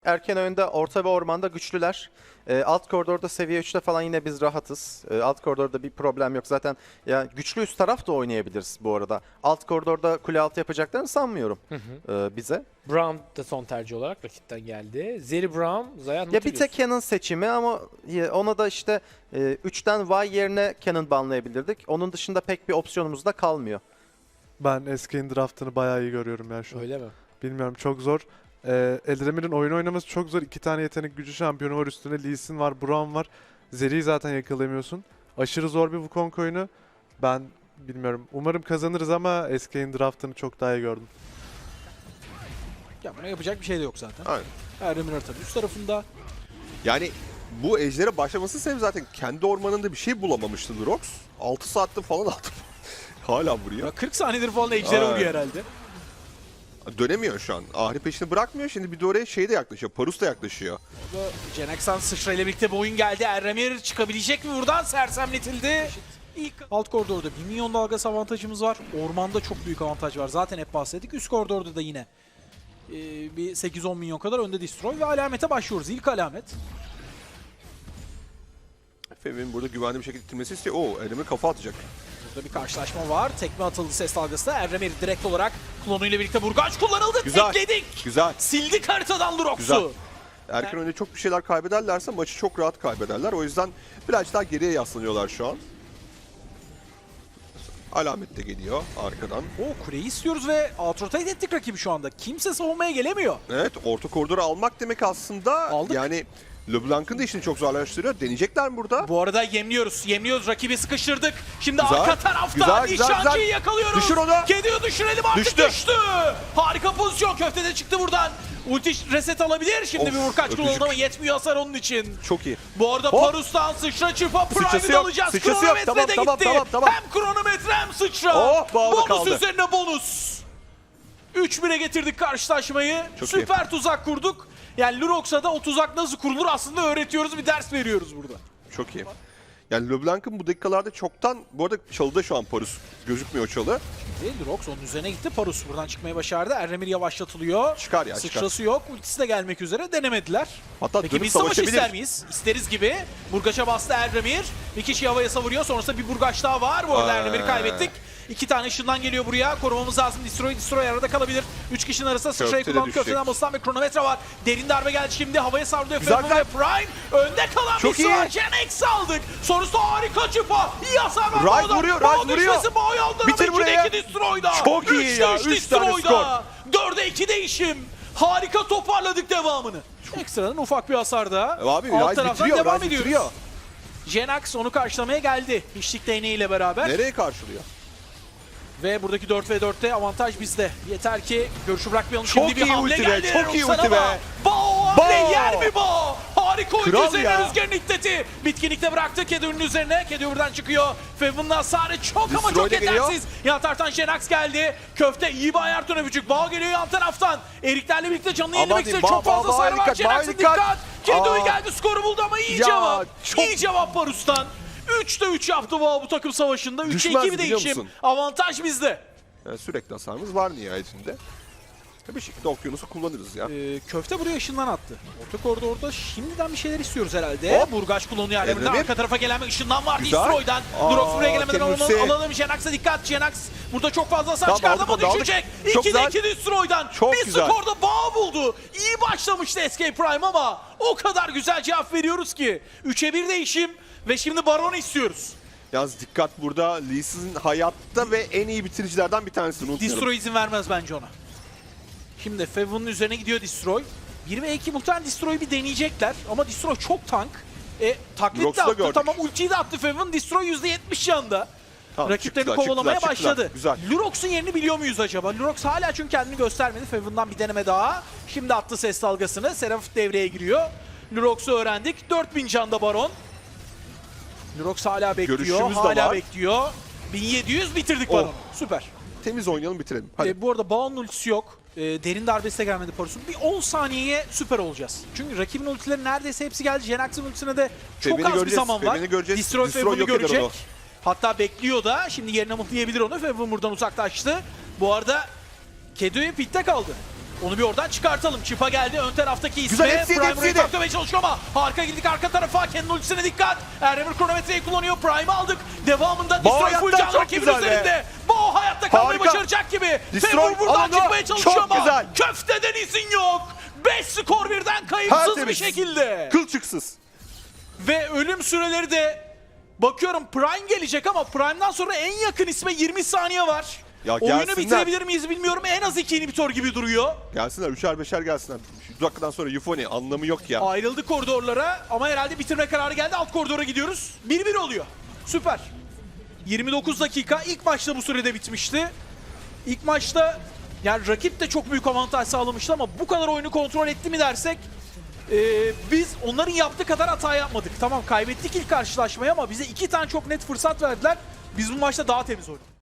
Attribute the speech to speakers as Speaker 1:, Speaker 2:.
Speaker 1: Erken oyunda orta ve ormanda güçlüler. Alt koridorda seviye 3'te falan yine biz rahatız. Alt koridorda bir problem yok. Zaten ya güçlü üst taraf da oynayabiliriz bu arada. Alt koridorda kule altı yapacaklarını sanmıyorum bize.
Speaker 2: Braum da son tercih olarak rakipten geldi. Zeri Braum, Zayan
Speaker 1: Ya bir tek Canon seçimi ama ona da işte 3'ten Y yerine Canon banlayabilirdik. Onun dışında pek bir opsiyonumuz da kalmıyor.
Speaker 3: Ben Eskay'ın draftını bayağı iyi görüyorum ya şu an.
Speaker 2: Öyle mi?
Speaker 3: Bilmiyorum, çok zor. Eldramir'in oyun oynaması çok zor. 2 tane yetenek gücü şampiyonu var üstüne. Lee Sin var, Braum var. Zeri'yi zaten yakalayamıyorsun. Aşırı zor bir Wukong oyunu. Ben bilmiyorum. Umarım kazanırız ama Eskay'ın draftını çok daha iyi gördüm.
Speaker 4: Ya buna yapacak bir şey de yok zaten.
Speaker 5: Aynen.
Speaker 4: Erdemir tabii üst tarafında.
Speaker 5: Yani bu ejdere başlaması sebebi zaten kendi ormanında bir şey bulamamıştı Lurox. 6 saatte falan aldı. Hala vuruyor.
Speaker 4: Ya 40 saniyedir falan ejdere
Speaker 5: Aynen.
Speaker 4: vuruyor herhalde.
Speaker 5: Dönemiyor şu an. Ahri peşini bırakmıyor. Şimdi bir de oraya şey de yaklaşıyor. Parus da yaklaşıyor.
Speaker 4: Orada Cenexan sıçra ile birlikte bir oyun geldi. Erdemir çıkabilecek mi buradan? Sersemletildi. İlk alt koridorda 1 milyon dalgası avantajımız var. Ormanda çok büyük avantaj var. Zaten hep bahsettik. Üst koridorda da yine bir 8-10 milyon kadar önde Destroy ve alamete başlıyoruz. İlk alamet.
Speaker 5: Efe'nin burada güvenli bir şekilde itilmesi istiyor. Oo, Erdemir kafa atacak.
Speaker 4: Burada bir karşılaşma var. Tekme atıldı ses dalgası da. Erdemir direkt olarak klonuyla birlikte burgaç kullanıldı.
Speaker 5: Güzel.
Speaker 4: Tekledik.
Speaker 5: Güzel.
Speaker 4: Sildik haritadan
Speaker 5: Güzel.
Speaker 4: Lurox'u.
Speaker 5: Erken oyunda çok bir şeyler kaybederlerse maçı çok rahat kaybederler. O yüzden birazcık daha geriye yaslanıyorlar şu an. Alamet de geliyor arkadan.
Speaker 4: O kuleyi istiyoruz ve outrotate ettik rakibi şu anda. Kimse savunmaya gelemiyor.
Speaker 5: Evet, orta koridoru almak demek aslında
Speaker 4: Aldık.
Speaker 5: yani LeBlanc'ın da işini çok zorlaştırıyor. Deneyecekler mi burada?
Speaker 4: Bu arada yemliyoruz. Yemliyoruz. Rakibi sıkıştırdık. Şimdi
Speaker 5: Güzel.
Speaker 4: arka tarafta
Speaker 5: Güzel, güzel,
Speaker 4: nişancıyı
Speaker 5: güzel.
Speaker 4: yakalıyoruz.
Speaker 5: Düşür onu.
Speaker 4: Kediyi düşürelim artık.
Speaker 5: Düştü.
Speaker 4: Düştü. Harika pozisyon. Köfte de çıktı buradan. Ulti reset alabilir. Şimdi
Speaker 5: Of,
Speaker 4: bir vurkaç
Speaker 5: öpücük.
Speaker 4: kullanıldı ama yetmiyor hasar onun için.
Speaker 5: Çok iyi.
Speaker 4: Bu arada
Speaker 5: Hop.
Speaker 4: Parus'tan sıçra çırpa
Speaker 5: Sıçrası
Speaker 4: Prime'i
Speaker 5: yok,
Speaker 4: alacağız.
Speaker 5: sıçrası yok.
Speaker 4: Kronometre
Speaker 5: Tamam,
Speaker 4: de
Speaker 5: tamam,
Speaker 4: gitti.
Speaker 5: tamam.
Speaker 4: Hem kronometre hem sıçra.
Speaker 5: Oh, bağlı
Speaker 4: bonus
Speaker 5: kaldı.
Speaker 4: üzerine bonus. 3-1'e getirdik karşılaşmayı.
Speaker 5: Çok
Speaker 4: Süper tuzak kurduk. Yani Lurox'a da o tuzak nasıl kurulur aslında öğretiyoruz. Bir ders veriyoruz burada.
Speaker 5: Çok iyi. Yani LeBlanc'ın bu dakikalarda çoktan, bu arada çalıda şu an Parus. Gözükmüyor çalı.
Speaker 4: Lurox onun üzerine gitti. Parus buradan çıkmayı başardı. Erdemir yavaşlatılıyor.
Speaker 5: Çıkar ya,
Speaker 4: Sıçrası yok. Ultisi de gelmek üzere. Denemediler.
Speaker 5: Hatta
Speaker 4: Peki
Speaker 5: dönüp
Speaker 4: biz savaş
Speaker 5: savaşabilir.
Speaker 4: ister miyiz? İsteriz gibi. Burgaç'a bastı Erdemir. Bir kişi havaya savuruyor. Sonrasında bir burgaç daha var. Bu arada Erdemir'i kaybettik. 2 tane ışından geliyor buraya. Korumamız lazım. Destroy arada kalabilir. 3 kişinin arasında sıçrayı
Speaker 5: Köfte de
Speaker 4: kullanıp
Speaker 5: düşecek.
Speaker 4: köfteden basılan bir kronometre var. Derin darbe geldi şimdi. Havaya savruluyor.
Speaker 5: Güzel,
Speaker 4: Fevu ve Prime. Önde kalan
Speaker 5: Çok
Speaker 4: bir
Speaker 5: iyi.
Speaker 4: var. Genex aldık. Sonrasında harika çıpa. İyi hasar var.
Speaker 5: Ryze
Speaker 4: Bağda.
Speaker 5: vuruyor,
Speaker 4: Bağ
Speaker 5: Ryze vuruyor.
Speaker 4: düşmesi, bağ yandırma.
Speaker 5: Bitir
Speaker 4: 2'de
Speaker 5: buraya.
Speaker 4: 2 Destroy'da.
Speaker 5: Çok iyi
Speaker 4: 3'te
Speaker 5: ya,
Speaker 4: 3
Speaker 5: üç tane
Speaker 4: Destroy'da. 4'e 2 değişim. Harika toparladık devamını. Ekstradan ufak bir hasar da.
Speaker 5: Abi
Speaker 4: Alt
Speaker 5: Ryze
Speaker 4: taraftan
Speaker 5: bitiriyor,
Speaker 4: devam
Speaker 5: Ryze
Speaker 4: ediyoruz.
Speaker 5: bitiriyor.
Speaker 4: Jenax onu karşılamaya geldi. Hiçlik değneğiyle beraber.
Speaker 5: Nereye karşılıyor?
Speaker 4: Ve buradaki 4v4'te avantaj bizde. Yeter ki görüşü bırakmayalım.
Speaker 5: Çok
Speaker 4: Şimdi bir
Speaker 5: iyi
Speaker 4: hamle
Speaker 5: ulti be,
Speaker 4: geldi.
Speaker 5: çok iyi
Speaker 4: Roxan'a
Speaker 5: ulti be.
Speaker 4: ama Bao hamle
Speaker 5: Bao.
Speaker 4: yer mi Bao? Harika ulti
Speaker 5: Kral
Speaker 4: üzerine
Speaker 5: ya.
Speaker 4: rüzgarın iddeti. Bitkinlikte bıraktı Kedur'un üzerine. Kedur buradan çıkıyor. Fevun'un hasarı çok ama
Speaker 5: Destroy
Speaker 4: çok
Speaker 5: de geliyor.
Speaker 4: yetersiz. Yan taraftan Jenax geldi. Köfte iyi bir ayar öpücük. Bao geliyor yan taraftan. Eriklerle birlikte canını
Speaker 5: Aman
Speaker 4: yenilemek
Speaker 5: diyeyim,
Speaker 4: istiyor. Çok
Speaker 5: Bao,
Speaker 4: fazla
Speaker 5: Bao,
Speaker 4: sarı var.
Speaker 5: dikkat,
Speaker 4: Jenax'ın
Speaker 5: Bao, dikkat.
Speaker 4: dikkat. Kedur
Speaker 5: Aa.
Speaker 4: geldi skoru buldu ama iyi
Speaker 5: Ya,
Speaker 4: cevap.
Speaker 5: çok-
Speaker 4: İyi cevap Parus'tan. 3'te 3 yaptı Bao bu takım savaşında. 3'e
Speaker 5: Düşmez
Speaker 4: 2 bir
Speaker 5: biliyor
Speaker 4: değişim.
Speaker 5: musun?
Speaker 4: Avantaj bizde.
Speaker 5: Yani sürekli hasarımız var nihayetinde. Bir şekilde okyanusu kullanırız ya.
Speaker 4: Köfte buraya ışından attı. Orta koridorda şimdiden bir şeyler istiyoruz herhalde.
Speaker 5: Hop.
Speaker 4: Burgaç kullanıyor Erdem'den.
Speaker 5: Erdemir.
Speaker 4: Arka tarafa gelen bir ışından var
Speaker 5: Güzel.
Speaker 4: Destroy'dan.
Speaker 5: Aa,
Speaker 4: Durox buraya gelemeden
Speaker 5: Kendisi.
Speaker 4: alalım. Jenax'a dikkat. Jenax burada çok fazla hasar
Speaker 5: Tamam,
Speaker 4: çıkardı
Speaker 5: aldık
Speaker 4: ama
Speaker 5: onu, aldık.
Speaker 4: düşecek.
Speaker 5: Çok
Speaker 4: 2'de
Speaker 5: güzel.
Speaker 4: 2 Destroy'dan.
Speaker 5: Çok
Speaker 4: bir
Speaker 5: güzel.
Speaker 4: skorda bağ buldu. İyi başlamıştı SK Prime ama o kadar güzel cevap veriyoruz ki. 3'e 1 değişim ve şimdi Baron istiyoruz.
Speaker 5: Yalnız dikkat burada, Lee Sin hayatta ve en iyi bitiricilerden bir tanesini unutmayalım.
Speaker 4: Destroy izin vermez bence ona. Şimdi Fevun'un üzerine gidiyor Destroy. 1 ve 2 muhtemelen Destroy'u bir deneyecekler ama Destroy çok tank. Taklit
Speaker 5: Rox'u
Speaker 4: de
Speaker 5: da
Speaker 4: attı,
Speaker 5: gördük.
Speaker 4: tamam ultiyi de attı Fevun. Destroy %70 yanında.
Speaker 5: Tamam,
Speaker 4: Rakiplerini
Speaker 5: çıktılar,
Speaker 4: kovalamaya
Speaker 5: çıktılar,
Speaker 4: başladı.
Speaker 5: Güzel.
Speaker 4: Lurox'un yerini biliyor muyuz acaba? Lurox hala çünkü kendini göstermedi. Fevun'dan bir deneme daha. Şimdi attı ses dalgasını. Seraph devreye giriyor. Lurox'u öğrendik. 4000 canda Baron. Lurox hala bekliyor.
Speaker 5: Görüşümüz de
Speaker 4: Hala
Speaker 5: var.
Speaker 4: bekliyor. 1700 bitirdik
Speaker 5: Oh.
Speaker 4: Baron'u. Süper.
Speaker 5: Temiz oynayalım, bitirelim. Hadi.
Speaker 4: Bu arada Bao'nun ultisi yok. Derin darbesi de gelmedi Parus'un. Bir 10 saniyeye süper olacağız. Çünkü rakibin ultileri neredeyse hepsi geldi. Jenax'ın ultisine de çok
Speaker 5: Fevini
Speaker 4: az bir
Speaker 5: göreceğiz,
Speaker 4: zaman var.
Speaker 5: Fevini göreceğiz.
Speaker 4: Destroy
Speaker 5: Destroy
Speaker 4: Fevun'u
Speaker 5: yok eder
Speaker 4: görecek.
Speaker 5: onu.
Speaker 4: Hatta bekliyor da. Şimdi yerine mıhlayabilir onu. Fevun buradan uzaklaştı. Bu arada Kedo'ya pitte kaldı. Onu bir oradan çıkartalım. Çipa geldi. Ön taraftaki
Speaker 5: Güzel,
Speaker 4: ismi.
Speaker 5: hepsi yedi,
Speaker 4: Prime
Speaker 5: hepsi
Speaker 4: burayı
Speaker 5: yedi.
Speaker 4: taklamaya çalışıyor ama harika girdik arka tarafa. Kendi ultisine dikkat. Erremir kronometreyi kullanıyor. Prime'ı aldık. Devamında
Speaker 5: Bao
Speaker 4: Destroy full
Speaker 5: hayatta
Speaker 4: can
Speaker 5: çok
Speaker 4: rakibin
Speaker 5: güzel be.
Speaker 4: üzerinde. Bao hayatta kalmayı
Speaker 5: Harika.
Speaker 4: başaracak gibi.
Speaker 5: Destroy
Speaker 4: Favor buradan
Speaker 5: alanı
Speaker 4: çıkmaya çalışıyor
Speaker 5: çok
Speaker 4: ama
Speaker 5: güzel.
Speaker 4: köfteden izin yok. 5 skor birden kayıpsız bir
Speaker 5: Tertemiz.
Speaker 4: şekilde.
Speaker 5: Kılçıksız.
Speaker 4: Ve ölüm süreleri de bakıyorum Prime gelecek ama Prime'dan sonra en yakın isme 20 saniye var.
Speaker 5: Ya
Speaker 4: Oyunu
Speaker 5: gelsinler.
Speaker 4: bitirebilir miyiz bilmiyorum. En az 2 inhibitor gibi duruyor.
Speaker 5: Gelsinler, 3'er 5'er gelsinler. Şu dakikadan sonra Euphony anlamı yok ya.
Speaker 4: Ayrıldı koridorlara ama herhalde bitirme kararı geldi. Alt koridora gidiyoruz. 1-1 oluyor. Süper. 29 dakika. İlk maçta bu sürede bitmişti. İlk maçta yani rakip de çok büyük avantaj sağlamıştı ama bu kadar oyunu kontrol etti mi dersek biz onların yaptığı kadar hata yapmadık. Tamam kaybettik ilk karşılaşmayı ama bize 2 tane çok net fırsat verdiler. Biz bu maçta daha temiz oynadık.